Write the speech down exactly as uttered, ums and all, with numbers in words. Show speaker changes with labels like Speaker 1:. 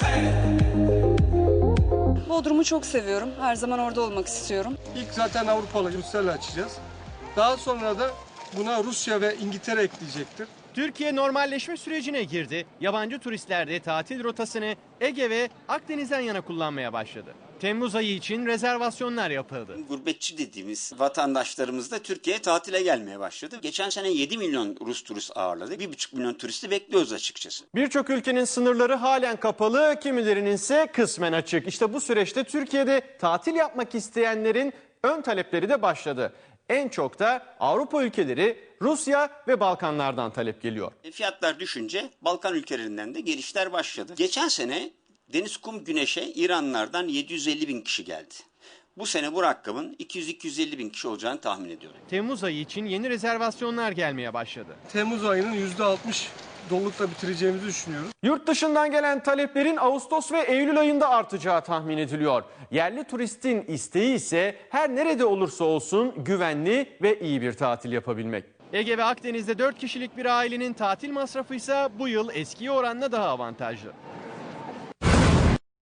Speaker 1: Bodrum'u çok seviyorum. Her zaman orada olmak istiyorum.
Speaker 2: İlk zaten Avrupalı Ruslarla açacağız. Daha sonra da buna Rusya ve İngiltere ekleyecektir.
Speaker 3: Türkiye normalleşme sürecine girdi. Yabancı turistler de tatil rotasını Ege ve Akdeniz'den yana kullanmaya başladı. Temmuz ayı için rezervasyonlar yapıldı.
Speaker 4: Gurbetçi dediğimiz vatandaşlarımız da Türkiye'ye tatile gelmeye başladı. Geçen sene yedi milyon Rus turist ağırladık. bir buçuk milyon turisti bekliyoruz açıkçası.
Speaker 3: Birçok ülkenin sınırları halen kapalı, kimilerinin ise kısmen açık. İşte bu süreçte Türkiye'de tatil yapmak isteyenlerin ön talepleri de başladı. En çok da Avrupa ülkeleri, Rusya ve Balkanlardan talep geliyor.
Speaker 4: Fiyatlar düşünce Balkan ülkelerinden de gelişler başladı. Geçen sene deniz, kum, güneşe İranlardan yedi yüz elli bin kişi geldi. Bu sene bu rakamın iki yüz iki yüz elli bin kişi olacağını tahmin ediyorum.
Speaker 3: Temmuz ayı için yeni rezervasyonlar gelmeye başladı.
Speaker 2: Temmuz ayının yüzde altmış dolulukla bitireceğimizi düşünüyoruz.
Speaker 3: Yurt dışından gelen taleplerin Ağustos ve Eylül ayında artacağı tahmin ediliyor. Yerli turistin isteği ise her nerede olursa olsun güvenli ve iyi bir tatil yapabilmek. Ege ve Akdeniz'de dört kişilik bir ailenin tatil masrafı ise bu yıl eskiye oranla daha avantajlı.